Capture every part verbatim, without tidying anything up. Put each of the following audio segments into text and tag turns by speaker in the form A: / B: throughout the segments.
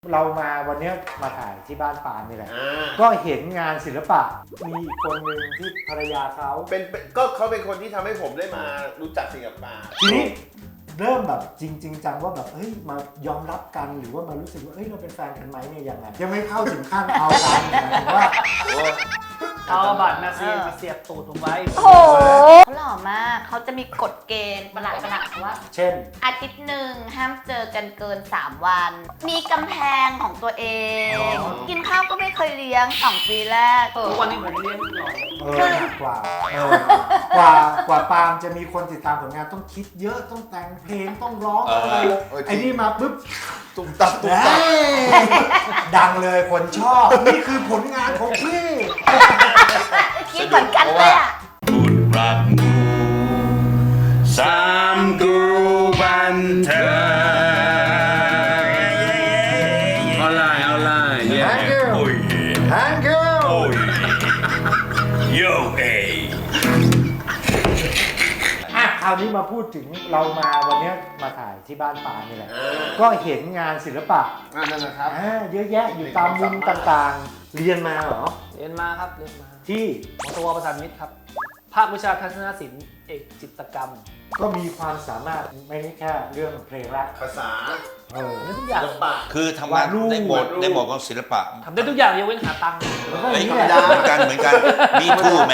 A: เรามาวันนี้มาถ่ายที่บ้านปาล์มนี่แหละก็เห็นงานศิลปะมีอีกคนหนึ่งที่ภรรยาเขา
B: เป็นก็เขาเป็นคนที่ทำให้ผมได้มารู้จักสิ่งกับปาล์ม
A: ทีนี้เริ่มแบบจริงๆจังว่าแบบเฮ้ยมายอมรับกันหรือว่ามารู้สึกว่าเฮ้ยเราเป็นแฟนกันไหมเนี่ยยังไงยังไม่เข้าถึงขั้นเอากันหมายถึงว่า
C: เอาบัตรมาเสียบมาเสียบตูดผมไว้
D: โอ้โหเขาหล่อมากเขาจะมีกฎเกณฑ์ประหลาดประหลาดว่า
A: เช่น
D: อาทิตย์หนึ่งห้ามเจอกันเกินสามวันมีกำแพงของตัวเองกินข้าวก็ไม่เคยเลี้ยงสองปีแรก
C: ทุกวันนี้ผมเลี้ยงหล่อ
A: เออกว่ากว่ากว่าปาล์มจะมีคนติดตามผลงานต้องคิดเยอะต้องแต่งเพลงต้องร้องอะไรไอ้นี่มาปุ๊บ
B: ตุ้มตับตุ้มตับ
A: ดังเลยคนชอบนี่คือผลงานของพี่
D: คิดเหมือนกันเลยอ่ะ
E: บุญรักมูสามกรูบันเทิงเอาไลน์เอาไลน์เย้โอ้ย
A: Thank you
E: โอ้ยโยเอ
A: อ่ะคราวนี้มาพูดถึงเรามาวันนี้มาถ่ายที่บ้านปาล์มนี่แหละก็เห็นงานศิลปะ
B: นั่นนะครับ
A: เยอะแยะอยู่ตามมุมต่างๆเรียนมาเหรอ
C: เรียนมาครับเรียนมา
A: ที่
C: มอตวประสานมิตรครับภาควิชาทัศนศิลป์เอกจิตรกรรม
A: ก็มีความสามารถไม่แค่เรื่องเพลงละ
B: ภาษา
A: เออ
C: ทุกอย่าง
E: คือทำงานในหมดในหมดของศิลปะ
C: ทำได้ทุกอย่างยกเว้นหาตังค์
E: เหมือนกันเหมือนกันมีทู่แม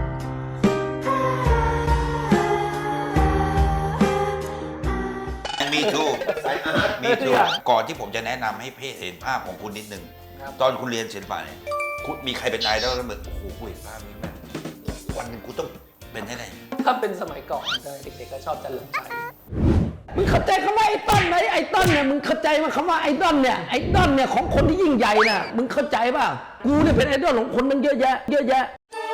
E: มีทู่มีทู่ก่อนที่ผมจะแนะนำให้เพ่เห็นภาพของคุณนิดนึงตอนคุณเรียนศิลปะเนี่ยคุณมีใครเป็นไอดอลแล้วเหมือนโอ้โหกูเห็นภาพนี้มันวันหนึ่งกูต้องเป็นให้ได้
C: ถ้าเป็นสมัยก่อนเด็กๆก็ชอบจันเลิมชัย
F: มึงเข้าใจคำว่าไอ้ต้นไหมไอ้ต้นเนี่ยมึงเข้าใจว่าคำว่าไอ้ต้นเนี่ยไอ้ต้นเนี่ยของคนที่ยิ่งใหญ่น่ะมึงเข้าใจป่ะกูเนี่ยเป็นไอ้ต้นของคนนึงเยอะแยะเยอะแยะ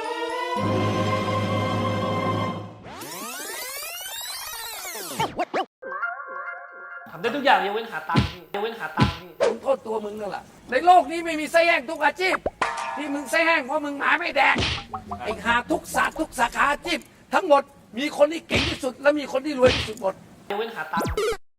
C: ทำได้ทุกอย่างยกเว้นหาตังค์ยกเว้นหาตังค์นี่
F: มึงโทษตัวมึงนั่นแหละในโลกนี้ไม่มีไส้แห้งทุกอาชีพที่มึงไส้แห้งเพราะมึงหมาไม่แดกไอ้หาทุกศาสตร์ทุกสาขาอาชีพทั้งหมดมีคนที่เก่งที่สุดและมีคนที่รวยที่สุดหมด
C: ยกเว้นหาตังค์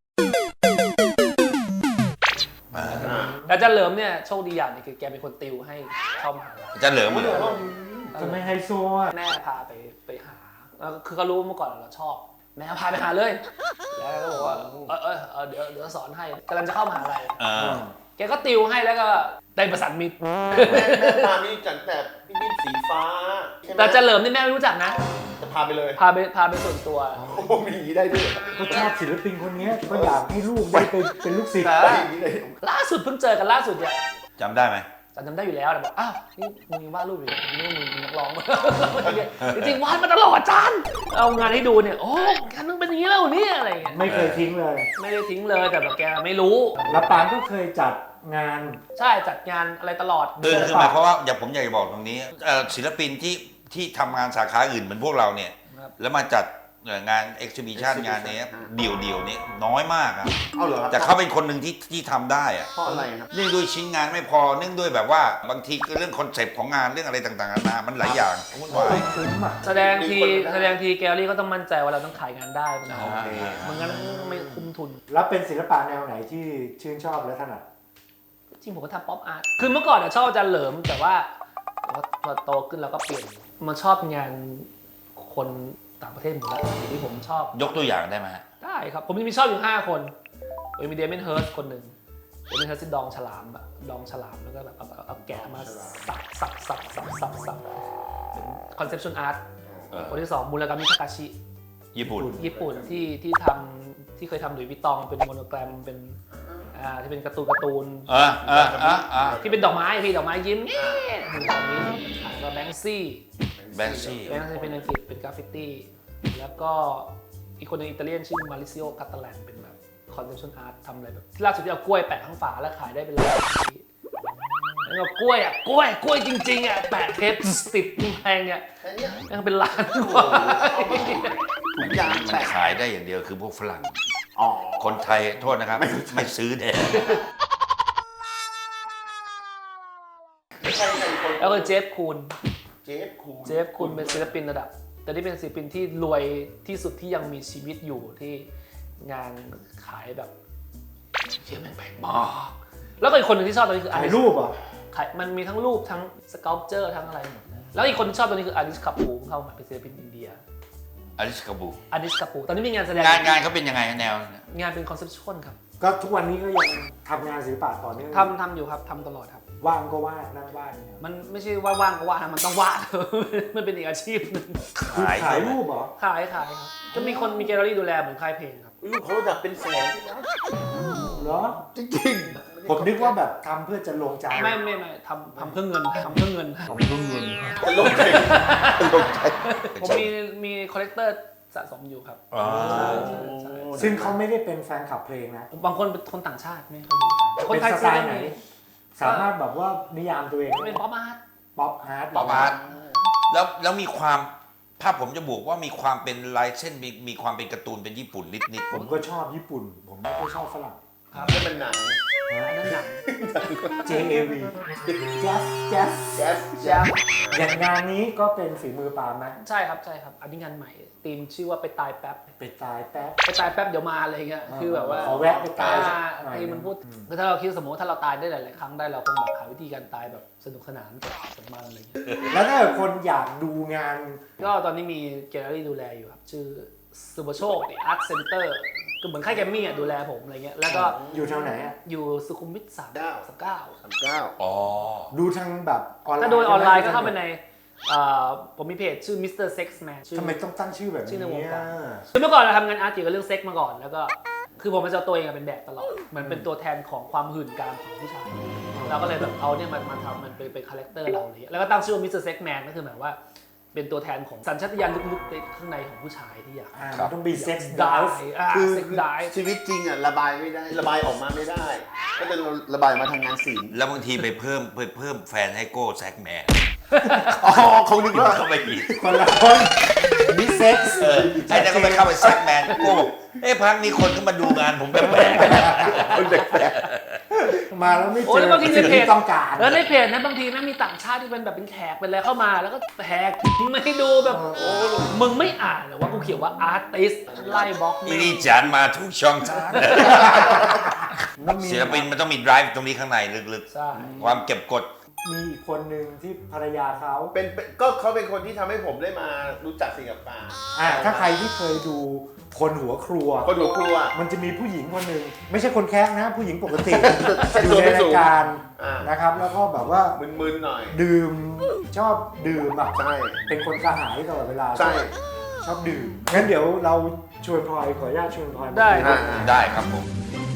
C: แต่จันเหลิมเนี่ยโชคดีอย่างนึงคือแกเป็นคนติวให้เข้ามหาลัย
E: จันเหลิมเหรอ
A: จะไม่ไฮโซอ่ะ
C: แม่พาไปไปหาคือเขารู้เมื่อก่อนเราชอบแม่พาไปหาเลยแล้วก็บอกว่าเออเออเดี๋ยวเดี๋ยวสอนให้กำลังจะเข้ามหาลัยแกก็ติวให้แล้วก็ได้ประสานมิตร
B: แม่แม่พานี่จัดแบบพี่มิ้นสีฟ้า
C: แต่จันเหลิมนี่แม่ไม่รู้จักนะ
B: จะพาไปเลย
C: พาไปพาไปส่วนตัว
B: โอ้มีได้ด้วย
A: ก็ชอบศิลปินคนนี้ก็อยากให้ลูกได้เป็นเป็นลูกศิษย์
C: ล่าสุดเพิ่งเจอกันล่าสุดเนี่ย
E: จำได้ไหม
C: จำได้อยู่แล้วแต่บอกอ้าวนี่มึงวาดรูปอยู่นี่มึงนักร้องจริงๆวาดมาตลอดจันเอางานให้ดูเนี่ยโอ้การมึงเป็นอย่างนี้แล้วเนี่ยอะไรเงี้ย
A: ไม่เคยทิ้งเลย
C: ไม่ได้ทิ้งเลยแต่แบบแกไม่รู้
A: แล้วปานก็เคยจัดงาน
C: ใช่จัดงานอะไรตลอด
E: คือคือหมายความว่าอย่าผมอยากจะบอกตรงนี้ศิลปินที่ที่ทำงานสาขาอื่นเหมือนพวกเราเนี่ยแล้วมาจัดงานเอ็กซิบิชันงานนี้เดี่ยวเดี่ยวนี้น้อยมากครับแต่เขาเป็นคนหนึ่งที่ที่ทำได้อะ
B: เพราะอะไรครับ
E: เนื่องด้วยชิ้นงานไม่พอเนื่องด้วยแบบว่าบางทีเรื่องคอนเซปต์ของงานเรื่องอะไรต่างๆนานามันหลายอย่างวุ่นวาย
C: แสดงทีแสดงทีแกลลี่ก็ต้องมั่นใจว่าเราต้องขายงานได้มันมันงั้นไม่คุ้มทุน
A: แล้วเป็นศิลปะแนวไหนที่ชื่นชอบและถนัด
C: จริงผมก็ทำป๊อปอาร์ตคือเมื่อก่อนชอบอาจารย์เหลิมแต่ว่าพอโตขึ้นเราก็เปลี่ยนมาชอบงานคนต่างประเทศหมดแล้วที่ผมชอบ
E: ยกตัวอย่างได้ไหม
C: ได้ครับผมมีชอบอยู่ห้าคนมีเดเมนเฮิร์สคนหนึ่งเดเมนเฮิร์สที่ดองฉลามอะดองฉลามแล้วก็แบบเอาแกะมาสับสับสับสับสับสับเป็นคอนเซปชวลอาร์ตคนที่สองมูรากามิทาคาชิ
E: ญี่ปุ่น
C: ญี่ปุ่นที่ที่ทำที่เคยทำหลุยส์วิตตองเป็นโมโนแกรมเป็นอ่าที่เป็นการ์ตูนการ์ตูน
E: อ่าอ่าอ่าอ่า
C: ที่เป็นดอกไม้พี่ดอกไม้ยิ้มเนี่ยตอนนี้ก็แบงซี่
E: แบงซี่
C: แบงซี่เป็นอังกฤษเป็นกราฟฟิตี้แล้วก็อีกคนนึงอิตาเลียนชื่อมาริซิโอคาตาแลนเป็นแบบคอนเซปชั่นอาร์ตทำอะไรแบบล่าสุดที่เอากล้วยแปะข้างฝาแล้วขายได้เป็นล้านแล้วก็กล้วยอ่ะกล้วยกล้วยจริงๆอ่ะแปะเทปติดแพงเนี่ยยังเป็นล้านกว่า
E: ทุกอย่างมันขายได้อย่างเดียวคือพวกฝรั่งคนไทยโทษนะครับไม่ซื้อแน่
C: แล้วก็เจฟคูน
B: เจฟคูน
C: เจฟคูนเป็นศิลปินระดับแต่ที่เป็นศิลปินที่รวยที่สุดที่ยังมีชีวิตอยู่ที่งานขายแบบเชี่ยแม่งแพงมากแล้วก็อีกคนหนึ่งที่ชอบตอนนี้คือ
A: ถ่าย
C: Alice
A: รูปเหรอ
C: ขายมันมีทั้งรูปทั้งสเกลเจอร์ทั้งอะไรหมดเลยแล้วอีกคนที่ชอบตัวนี้คืออาริสคาปูเข้ามาเป็นศิลปินอินเดีย
E: อลิสกาบู
C: อาริสคาปูตอนนี้มีงานแสดง
E: งานงานเขาเป็นยังไงแนว
C: งานเป็นคอนเซปชวลครับ
A: ก็ทุกวันนี้ก็ยังทำงานศิลปะต่อเนื่อง
C: ทำทำอยู่ครับทำตลอดครับ
A: ว่างก็วาดนั่งวาดเนี่ย
C: มันไม่ใช่ว่าว่างก็ว่างนะมันต้องวาด มันเป็นอีกอาชีพหนึง
A: คือ
E: ขาย
A: ขายรูปเหรอ
C: ขายขายครับจะมีคนมีแกลเลอรี่ดูแลเหมือนค่ายเพลงครับ
B: ลูกเขาระดับเป็นแสนนะ
A: เหรอ
B: จริง
A: ผมนึกว่าแบบทำเพื่อจะลงใจ
C: ไม่ไม่ไม่ทำทำเพื่อเงินทำเพื่อเงิน
B: ๆจะลงใจจะลงใจ
C: ผมมีมีคอลเลกเตอร์สะสมอยู่ครับ
E: อ๋อ
C: ใช่ใช่ใช่
A: ซึ่งเขาไม่ได้เป็นแฟนคลับเพลงนะ
C: บางคนเป็นคนต่างชาติไม่เคยดูกันคน
A: เป็น
C: ไทย
A: ส
C: ซื้
A: ไต
C: อ
A: ล์ไหน
C: ได้
A: สามารถแบบว่านิยามตัวเอง
C: เป็นป๊อปอาร์ต
A: ป๊อปอาร์ต
E: ป๊อปอาร์ตแล้วแล้วมีความถ้าผมจะบอกว่ามีความเป็นลายเส้นมีมีความเป็นการ์ตูนเป็นญี่ปุ่นนิดนิดๆ
A: ผมก็ชอบญี่ปุ่น ผมไม่ค่อยชอบฝรั่ง
C: ครับ
B: นี่มันหนัง
C: อันนั้นหนัง
A: J A V Jazz Jazz
B: แจ๊ส
C: แจ๊ส
A: อย่างงานนี้ก็เป็นฝีมือปาล์มไหม
C: ใช่ครับใช่ครับอันนี้งานใหม่ธีมชื่อว่าไปตายแป๊บ
A: ไปตายแป๊บ
C: ไปตายแป๊บเดี๋ยวมาอะไรเงี้ยคือแบบว่า
A: ขอแวะไปตายสัก
C: อ่
A: หน่อย
C: ที่มันพูดคือถ้าเราคิดสมมติว่าถ้าเราตายได้หลาย ๆ ครั้งได้เราคงแบบหาวิธีการตายแบบสนุกสนานกับมันอะไรเงี้ย
A: แล้วถ้าเกิดคนอยากดูงาน
C: ก็ตอนนี้มีแกลเลอรี่ดูแลอยู่ครับชื่อสุภโชคอาร์ตเซ็นเตอร์ก็เหมือนค่ายแกรมมี่อ่ะดูแลผมอะไรเงี้ยแล้วก็
A: อยู่แถวไหนอะ
C: อยู่สุขุมวิทสามสามเก้า
B: สามเก้า
E: อ๋อ
A: ดูทางแบบออนไลน์
C: ถ้าโดยออนไลน์ก็เข้าไปในเอ่อผมมีเพจชื่อ มิสเตอร์ Sex Man ชื่อ
A: ทำไมต้องตั้งชื่อแบบ
C: ชื่อในวง
A: นี้
C: การ
A: อะ
C: คือเมื่อก่อนเราทำงานอาร์ตเกี่ยวกับเรื่องเซ็กมาก่อนแล้วก็คือผมจะเอาตัวเองเป็นแบบตลอดเหมือนเป็นตัวแทนของความหื่นกามของผู้ชายเราก็เลยแบบเอาเนี่ยมันมาทำมันเป็นเป็นคาแรคเตอร์เราเลยแล้วก็ตั้งชื่อว่า มิสเตอร์ Sex Man ก็คือหมายว่าเป็นตัวแทนของสัญชาตญาณลึกๆในข้างในของผู้ชายที่อยาก
A: อ่ามันต้องมีเซ็กซ์
C: ได้
A: ดาว
C: อ่า
B: คือ
C: เซ็กได้
B: ชีวิตจริงอ่ะระบายไม่ได้ ระบายออกมาไม่ได้ ก็จะระบายมาทางงานศิลป์
E: แล้วบางทีไปเพิ่มไปเพิ่มแฟนให้โก้แซกแมน
B: อ๋อเขานึกว่า
E: เข้าไปอีก
A: คนละคนมีเซ็กซ์
E: เออไอ้นั่นก็ไปเข้าไปแซกแมนโก้บอกเอ้พักนี้คนก็มาดูงานผมแปลก
B: คนแปลก
A: มาแล้วไม่
C: โอ้
A: เจ
C: แล้ว
A: อ
C: บางทีใน
A: สิ่ง
C: เพจ
A: ที่ต้องการ
C: แล้วในเพจนะบางทีนะมีต่างชาติที่เป็นแบบเป็นแขกเป็นอะไรเข้ามา แล้วก็แหกไม่ดูแบบโอ้มึงไม่อ่านเหรอว่ากูเขียนว่าอาร์ติสไล่บล็อก
E: ๆ
C: นี่
E: นี่จานมาทุกช่องทาง
A: มันมี
E: ศิลปินมันต้องมี drive ตรงนี้ข้างในลึก
C: ใช่
E: ๆ ความเก็บกด
A: มีอีกคนหนึ่งที่ภรรยาเขา
B: ๆเป็นเป็นก็เขาเป็นคนที่ทำให้ผมได้มารู้จักสิ่งกับปลา
A: อ่าถ้าใครที่เคยดูคนหัวครัว
B: คนหัวครัว
A: มันจะมีผู้หญิงคนหนึ่งไม่ใช่คนแคะนะ ผู้หญิงปกติ
B: ใช่
A: อยู่
B: ตัว
A: ใน
B: ไม่
A: รา
B: สู
A: ย
B: ง
A: การ
B: อ่า
A: นะครับ แล้วก็แบบว่า
B: มึนๆหน่อย
A: ดื่มชอบดื่มแบบ
B: ใช่
A: เป็นคนกระหายตลอดเวลา
B: ใช่
A: ชอบดื่มงั้นเดี๋ยวเราชวนพลอยขออนุญาตชวนพลอยมา
C: ได้ครับ
B: อ่า
E: ได้ครับผม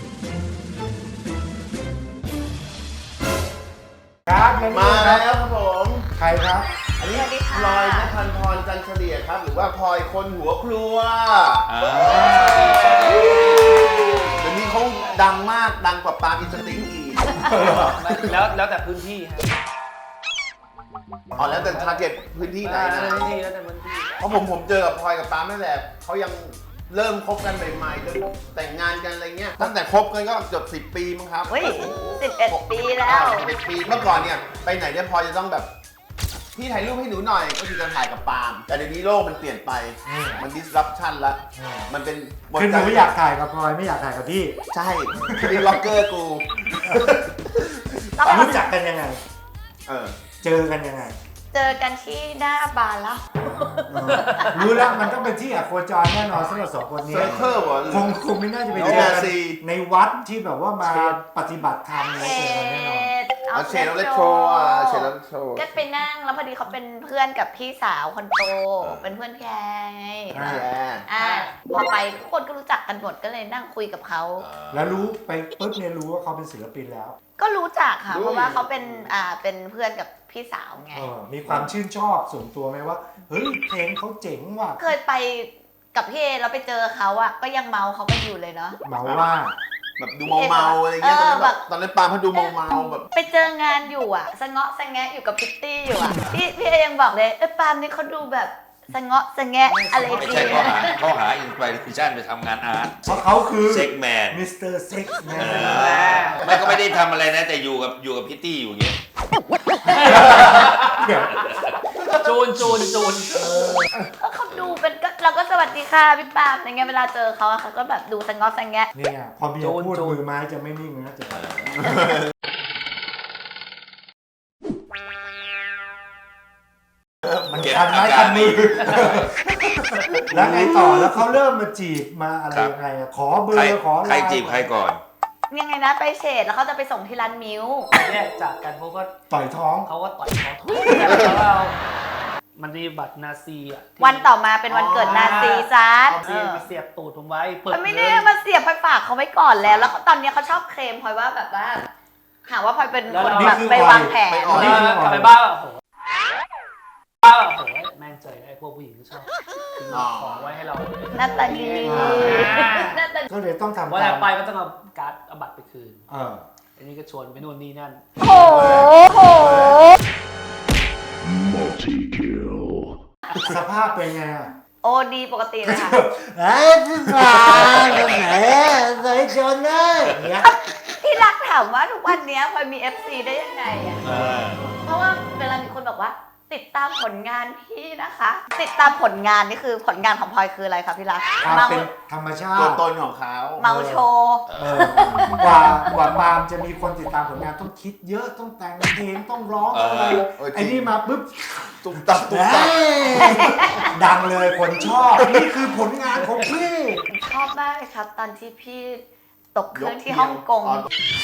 A: ครับและ
B: มา
A: นี่
B: แล้
A: คว รับ
B: ครับผม
A: ใครครับ
B: อันนี้
D: สวัสดีค่ะ
B: พลอยนภันพรจันเฉลี่ยครับ หรือว่าพลอยคนหัวครัว
E: อ่า
B: เดี๋ยวนี้เขาดังมากดังกว่าปาล์มอินสติ้งอีก
C: แล้วแล้วแต่พื้นที่ฮะ
B: อ๋อแล้วแต่ทาร์เก็ตพื้นที่ไหน
C: แล้ว
B: นะ
C: แต่พื้นที่แล้วแต่พื้นที่
B: เพราะผมผมเจอกับพลอยกับปาล์มนั่นแหละเขายังเริ่มคบกันใหม่ๆจนแต่งงานกันอะไรเงี้ยตั้งแต่คบกันก็เกือบสิบปีมั้งครับ
D: เฮ้ยสิบเอ็ดปีแล้ว
B: สิบเอ็ดปีเมื่อก่อนเนี่ยไปไหนเนี่ยพลอยจะต้องแบบพี่ถ่ายรูปให้หนูหน่อยก็คือจะถ่ายกับปาล์มแต่เดี๋ยวนี้โลกมันเปลี่ยนไปมัน disruption ละมันเป็น
A: คือหนูอยากถ่ายกับพลอยไม่อยากถ่ายกับพี่
B: ใช่คือล็อกเกอร์กู
A: รู้จักกันยังไง
B: เออ
A: เจอกันยังไง
D: เจอกันที่หน้าบาร์แล้ว
A: เออรู้แล้วมันต้องเป็นที่อะโคจรแน่นอนสำหรับสองคนนี้
B: เซอร์เคิลเหรอ
A: คงคงไม่น่าจะไปเจอกัน
B: ซี
A: ในวัดที่แบบว่ามาปฏิบัติธรรมอะไรเจอกันแน่นอน
B: เอาเชนแล้วเลโทรอ่ะเชนแล้วโทร
D: ก็ไปนั่งแล้วพอดีเขาเป็นเพื่อนกับพี่สาวคนโต เป็นเพื่อนพี่แอร์ไง
A: อ่า
B: แย่
D: อ่าพอไปทุกคนก็รู้จักกันหมดก็เลยนั่งคุยกับเขา
A: แล้วรู้ไปปุ๊บเนี่ยรู้ว่าเขาเป็นศิลปินแล้ว
D: ก็รู้จักค่ะ เพราะว่าเขาเป็นอ่าเป็นเพื่อนกับพี่สาวไง
A: เออมีความชื่นชอบส่วนตัวไหมว่าเฮ้ยเพลงเขาเจ๋งว่ะ
D: เคยไปกับพี่เอเราไปเจอเขาอะก็ยังเมาเขากันอยู่เลยเนาะ
A: เมาว่า
B: แบบดูเมาๆอะไรเงี้ยตอนนั้นแบบตอนนั้นปาล์มเขาดูเมาๆแบบ
D: ไปเจองานอยู่อะสะเงาะสะแงะอยู่กับพิตตี้อยู่อะพี่พี่เอยังบอกเลยเออปาล์มนี่เขาดูแบบสะเงาะสะแงะอะไร
E: ไม่
D: ดี
E: ใช่ข้อหาข้อหาอินสปิเรชันไปทำงานอาร์ต
A: เพราะเขาคือ
E: เซ็กแมน
A: มิสเตอร์เซ็กแมน
E: ไม่ก็ไม่ได้ทำอะไรนะ แต่อยู่กับอยู่กับพิตตี้อยู่อย่างเงี้ย
A: เดี๋ยว
C: จูนจูนจูน
D: ก็เขาดูเป็นก็เราก็สวัสดีค่ะพี่ปาล์มอะไรเงี้ยเวลาเจอเขาอะเขาก็แบบดูสะเงาะสะแงะ
A: เนี่ยพอเบียร์พูดมือไม้จะไม่นิ่งนะจะมันคันไม้คันมือ แล้วไงต่อแล้วเขาเริ่มมาจีบมาอะไรยังไงอะขอเบอ
E: ใคร
A: ร์ขอไลน์
E: ใครจีบใครก่อน
D: ยังไงนะไปเฉดแล้วเขาจะไปส่งที่ร้านมิ้ว
C: แยกจากกันเพราะว่า
A: ต่อยท้อง
C: เขาก็ต่อยเขาทุกอย่างแล้วเรามันมีบัตรนาซีอ่ะที่
D: วันต่อมาเป็นวันเกิดนาซีซัด
C: เอาเสียบไปเสียบตูดผมไว้เปิด
D: มันไม่ได้มาเสียบพลอยฝากเขาไว้ก่อนแล้ว แล้วตอนนี้เขาชอบเคลมพลอยว่าแบบว่าหาว่าพลอยเป็นคนแบบไปวางแผน
B: อ๋อ
C: นี่กลับไปบ้านแบบโอ้โหบ้านแบบโอ้โหแม่งเจอไอ้พวกผู้หญิงที่ชอบทิ้งของไว้ให้เรา
D: หน้าตาดีหน้าตา
A: ก็เลยต้องทำ
C: วัน
A: ตา
C: ถั
A: ม
C: ดไปก็ต้องเอาการ์ดเอาบัตรไปคืน
A: เออ
C: อันนี้ก็ชวนไปนู่นนี่นั่น
D: โอ้โห
A: สภาพเป็นไงอะ
D: โอ้ดีปกติเลยค่ะ
A: เอ้ยพี่ปาตรงไหนใส่ชนเลยอย่างเงี้ย
D: ที่รักถามว่าทุกวันนี้พลอยมี เอฟ ซี ได้ยังไงอ่ะ เพราะว่าเวลามีคนบอกว่า ติดตามผลงานพี่นะคะ ติดตามผลงานนี่คือผลงานของพลอยคืออะไรคะพี่รัก
A: ความ
D: เมา
A: เป็นธรรมชา
B: ตัว
A: ติ
B: ตนของเขา
D: เมาโชว์
A: เออกว่ากว่าปาล์มจะมีคนติดตามผลงานต้องคิดเยอะต้องแต่งเพลงต้องร้องอะไร
B: เออจริง
A: ไอ้นี่มาปุ๊บ
B: ตุ๊บตับตุ๊บตับ
A: เอ้ยดังเลยคนชอบ นี่คือผลงานของพี่
D: ชอบมากเลยครับ ตอนที่พี่ตกเครื่องที่ฮ่องกง
B: อ๋อ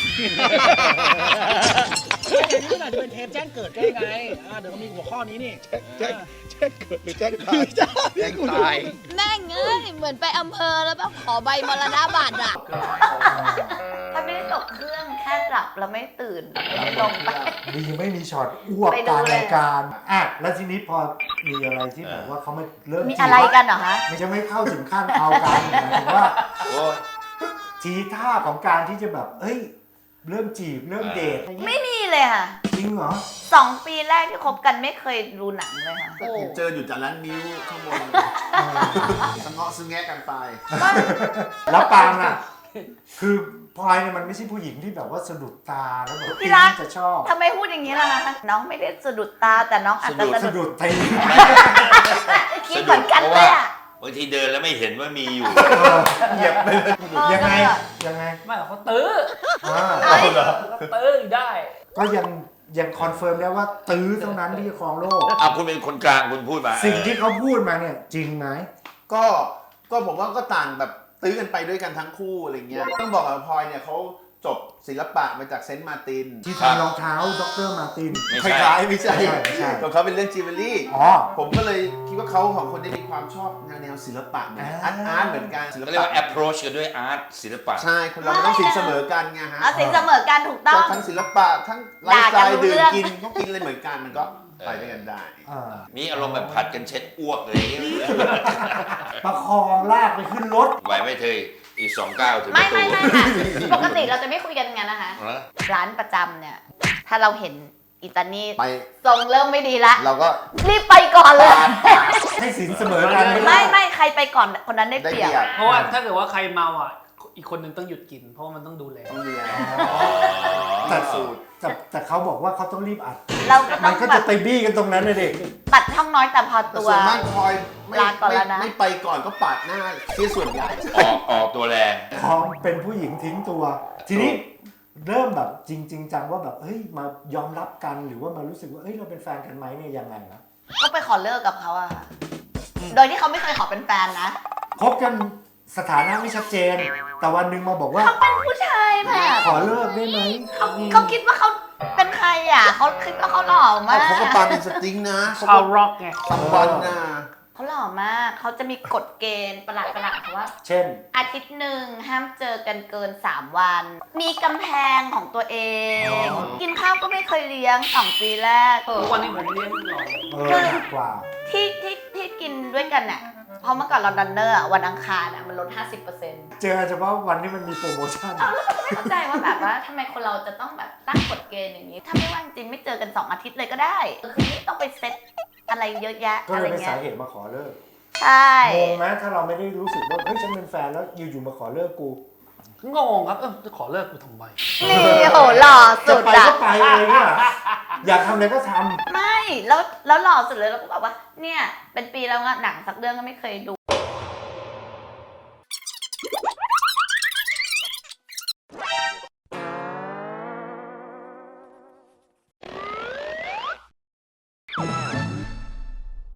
G: เดี๋ยวนี้มันอาจจะเป็นเทปแจ้งเกิดก็ได้ไงอ่าเดี๋ยวมันมีหัวข้อนี้นี่ แจ้งแจ้งเกิดหรือแจ้งตายแจ้งตาย
D: แม่งเอ้ยเหมือนไปอำเภอแล้วแบบขอใบมรณบัตรอ่ะถ้าไม่ได้ตกเครื่องแค่หลับแล้วไม่ตื่นไม่ได้ลงไป
A: ดีไม่มีช็อตอ้วก
D: ไป
A: ก
D: ดู
A: ลาง
D: เลย
A: รายการอ่ะแล้วทีนี้พอมีอะไรที่แบบว่าเขาไม่เริ่ม
D: มี
A: จีบ
D: อะไรกันเหรอคะ
A: ไม่ใช่ไม่เข้าถึงขั้นเอากันหมายถึงว่า
B: โอ้ย
A: ทีท่าของการที่จะแบบเอ้ยเริ่มจีบเริ่มเดทอะไร
D: ไม่
A: เงี้ย
D: มีเลยค่ะ
A: จริงเหรอ
D: สองปีแรกที่คบกันไม่เคยดูหนังเลยค่ะ
B: ก็เจออยู่จากร้านนิ้วข้างบนสงเงาะซึ่งแงะกันไป
A: แล้วปางอ่ะ คือพลอยเนี่ยมันไม่ใช่ผู้หญิงที่แบบว่าสะดุดตาแล้วแบบ
D: พี่รัก
A: จะชอบ
D: ทำไมพูดอย่างนี้ล่ะคะน้องไม่ได้สะดุดตาแต่น้องอาจจะ
A: สะ
D: สะดุด
A: ดุดตี
D: คิดเหมือนกันเลยอ่ะ
E: บางทีเดินแล้วไม่เห็นว่ามีอยู่
B: เหยียบไปเลย
A: ยังไงยังไง
C: ไม่หรอกเขาตื้อ
A: อ่า
D: เอ้ย
C: เขาตื้ออยู่ได้
A: ก็ยังยังคอนเฟิร์มได้ว่าตื้อเท่านั้นที่จะครองโลก
E: เอาคุณเป็นคนกลางคุณพูดมา
A: สิ่งที่เขาพูดมาเนี่ยจริงไหม
B: ก็ก็ผมว่าก็ต่างแบบตื้อกันไปด้วยกันทั้งคู่อะไรเงี้ยต้องบอกว่าพลอยเนี่ยเขาจบศิลปะมาจากเซนต์มาร์ติน
A: ที่ทำรองเท้าดรมาร์ติน
E: ไม่
B: ค
E: ใช่
B: ล้ายๆไม่ใช่
A: ไม่ใช่ไม่ใช่
B: ของเขาเป็นเรื่องจิวเวลรี่
A: อ๋อ
B: ผมก็เลยคิดว่าเขาของคนได้มีความชอบแนวแนวศิลปะเหมือนอาร์ตอาร์ตเหมือนกันศิล
E: เขาเรียก
B: ปะ
E: ว่า approach กันด้วย art ศิลปะ
B: ใช่คนเรามันต้องสินเสมอกันไงฮะ
D: เอาสินเสมอกันถูกต้อง
B: ก็ทั้งศิลปะทั้งไลฟ์สไต
D: ด่ากัน
B: ล์
D: รู้
B: ดื่ม
D: เรื่อง
B: กินก็กินอะไรเหมือนกันมันก็ไปด้วยกันได้
A: อ่า
E: มีอารมณ์แบบผัดกันเช็ดอ้วกเลยางเงี้ย
A: ประคองลากไปขึ้นรถ
E: ไหวไหม่เธออีกสองก้าวถึงป
D: ไม่
E: ระตู
D: ไม่ไม่ค่ะ ปกติเราจะไม่คุยกันงั้นนะคะ
E: เหรอ
D: ร้านประจำเนี่ย ถ้าเราเห็นอิตาลี
B: ไป
D: ทรงเริ่มไม่ดีละ
B: เราก็
D: รีบไปก่อนเลย
A: ให้สินเสมอกัน
D: ไม่ไม่ใครไปก่อนคนนั้นได้
B: ได้
D: เป
B: เป
D: รี
B: รี
D: ยบ
B: ยบ
C: เพราะว่าถ้าเกิดว่าใครเมาอ่ะ อีกคนนึงต้องหยุดกิน เพราะว่ามันต้องดูแล
B: ต้องเรียน
A: แต่
B: สูตร
A: แต่แต่เขาบอกว่าเขาต้องรีบอัด
D: เราก็ต้
A: มั
D: อน ง
A: ก็
D: แบ
A: จะ
D: บ
A: ไปบี้กันตรงนั้นเลยเด็ก
D: ตัดช่องน้อยแต่พอ
B: แต่
D: ตัว
B: ส่วนมากพลอยไม่
D: ลาก่อน
B: ไม่
D: แล้วนะ
B: ไม่ไปก่อนก็ปาดหน้าที่ส่วนใหญ่
E: ออกออกตัวแรง
A: พอเป็นผู้หญิงทิ้งตัว ทีนี้เริ่มแบบจริงจริงจังว่าแบบเฮ้ยมายอมรับกันหรือว่ามารู้สึกว่าเฮ้ยเราเป็นแฟนกันไหมเนี่ยยังไงนะ
D: ก็ไปขอเลิกกับเขาอะค่ะโดยที่เขาไม่เคยขอเป็นแฟนนะ
A: คบกันสถานะไม่ชัดเจน แต่วันหนึ่งมาบอกว่า
D: เขาเป็นผู้ชายแบบ
A: ขอเลิกได้ไหม
D: เขาเขาคิดว่าเขาเป็นใครอ่ะเขาคิดว่าเขาหล่อมา
B: เอา
D: ก
B: เขาก็ปาเป็นสตริงนะเขา
C: ชา
B: ก็
C: วร็อกไง
B: สัมวันนะ
D: เขาหล่อมากเขาจะมีกฎเกณฑ์ประหลาดประหลาดๆว่า
A: เช่น
D: อาทิตย์หนึ่งห้ามเจอกันเกินสามวัน มีกำแพงของตัวเอง
A: อ๋อ
D: กินข้าวก็ไม่เคยเลี้ยงสองปีแรก
C: ทุกวันนี้ผมเลี้ยงหล่อ
A: เออหนักกว่า
D: ที่ที่ที่กินด้วยกันเนี่ยเพราะเมื่อก่อนเราดันเนอร์อะวันอังคารอะมันลด ห้าสิบเปอร์เซ็นต์
A: เจอเฉพาะวันที่มันมีโปรโมชั่น
D: ไม่เข้าใจว่าแบบว่าทำไมคนเราจะต้องแบบตั้งกฎเกณฑ์อย่างนี้ ถ้าไม่ว่างจริงไม่เจอกันสองอาทิตย์เลยก็ได้คือไม่ต้องไปเซตอะไรเยอะแยะ
A: ก็
D: อะ
A: เล
D: ไร
A: ยเป็น
D: เงี้
A: สาย เหตุมาขอเลิก
D: ใช่
A: งงไหมถ้าเราไม่ได้รู้สึกว่าเฮ้ยฉันเป็นแฟนแล้วอยู่ๆมาขอเลิกกู
C: งงครับ เออจะขอเลิกกูทำไม
D: นี่โหหล่อ
A: จะ
D: สุด
A: ไป
D: อะ
A: ก็ไปเลยเนี่ยอยากทำอะไรก็ทำ
D: ไม่แล้วแล้วหล่อสุดเลยเราก็บอกว่า เนี่ย เป็นปีแล้วอะหนังสักเรื่องก็ไม่เคยดู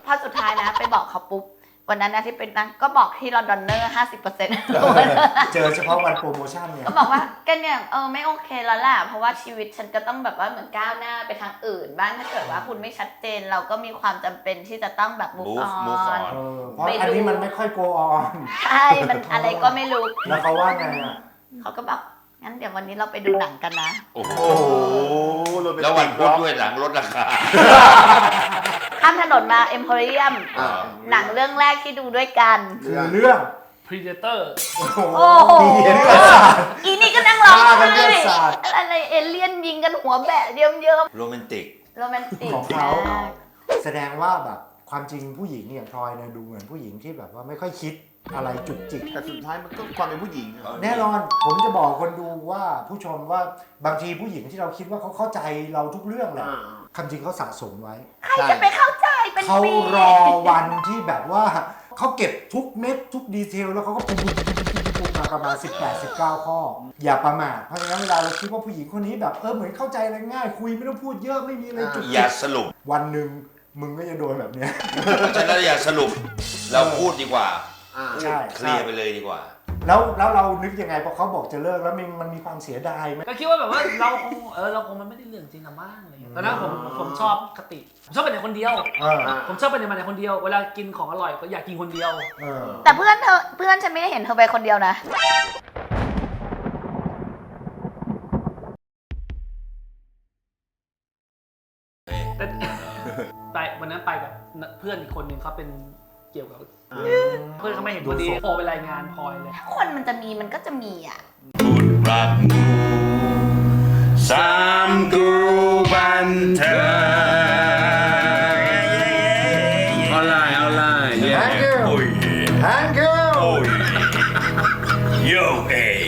D: พอสุดท้ายนะไปบอกเขาปุ๊บวันนั้นนะที่เป็นนั่งก็บอกที่ลอนดอนเนอร์ห้าสิบเปอร์เซ็นต์
A: เจอเฉพาะวันโปรโมชั่นเนี่ย
D: ก็บอกว่าแกเนี่ยเออไม่โอเคแล้วแหละเพราะว่าชีวิตฉันก็ต้องแบบว่าเหมือนก้าวหน้าไปทางอื่นบ้างถ้าเกิดว่าคุณไม่ชัดเจนเราก็มีความจำเป็นที่จะต้องแบบ move
E: Move- move
D: on
E: on
A: เออเพราะอันนี้มันไม่ค่อยโกออน
D: ใช่มันอะไรก็ไม่รู้
A: แล้วเขาว่าไงอ่ะ
D: เขาก็บอกงั้นเดี๋ยววันนี้เราไปดูหนังกันนะ
E: โอ้โห
B: โอ้โหโรแมนติก
E: แล้ววันพุธด้วยหลังลดราคา
D: ข้ามถนนมาเอ็มโพเรียม
B: อ่า
D: หนังเรื่องแรกที่ดูด้วยกัน
A: คือเรื่อง
C: Predator
A: โอ้โห
D: โอ้โห
A: มีเห็นกระสาด
D: อีนี่ก็นั่งร้อง
A: ฆ่ากัน
D: ไห้
A: เลือดสาด
D: อะไรเอเลี่ยนยิงกันหัวแบะเยิ้ม
E: โรแมนติก
D: ๆโรแมนติก
A: ของเขา
D: มาก
A: แสดงว่าแบบความจริงผู้หญิงอย่างพลอยเนี่ยดูเหมือนผู้หญิงที่แบบว่าไม่ค่อยคิดอะไรจุกจิก
B: แต่สุดท้ายมันก็ความเป็นผู้หญิงอะ
A: แน่นอนผมจะบอกคนดูว่าผู้ชมว่าบางทีผู้หญิงที่เราคิดว่าเขาเข้าใจเราทุกเรื่องแหละ
B: อ่า
A: คำจริงเขาสะสมไว้
D: ใครจะไปเข้าใจเป็น
A: เขา
D: ปี
A: รอวันที่แบบว่าเขาเก็บทุกเม็ดทุกดีเทลแล้วเขาก็ปุ๊บปุ๊บปุ๊บปุ๊บปุ๊บมาประมาณสิบแปด สิบเก้าข้อ อย่าประมาทเพราะฉะนั้นเวลาเราคิดว่าผู้หญิงคนนี้แบบเออเหมือนเข้าใจอะไรง่ายคุยไม่ต้องพูดเยอะไม่มีอะไรจุก
E: อ
A: จิ
E: ย่าก สรุป
A: วันหนึ่งมึงก็จะโดนแบบเนี้ย
E: เพราะฉะนั้นอย่าสรุป เราพูดดีกว่า
B: อ่า
A: ใช่
E: เคลียร์ไปเลยดีกว่า
A: แล้วแล้วเรานึกยังไงพอเขาบอกจะเลิกแล้วมันมันมีความเสียดายไหม
C: ก็คิดว่าแบบว่าเราคงเออเราคงมันไม่ได้เรื่องจริงอะมั้งอะไรเงี้ยตอนนั้นผมผมชอบคติผมชอบไปไหนคนเดียว
A: เออ
C: ผมชอบไปไหนมาไหนคนเดียวเวลากินของอร่อยก็อยากกินคนเดียว
A: เออ
D: แต่เพื่อนเธอเพื่อนฉันไม่ได้เห็นเธอไปคนเดียวนะ
C: แต่ ไปวันนั้นไปกับเพื่อนอีกคนหนึ่งเขาเป็นเกี่ยวกับเพื่อนเขาไม่เห็นพอดีโทรไปรายงานพลอยเลย
D: ถ้าคนมันจะมีมันก็จะมีอ่ะ
E: พูดรักหมู่สามกรูบันเทิง
F: เอาไลน์เอาไลน์
A: Thank you
E: โอ้ย
A: Thank you
E: โอ้ยโยเอ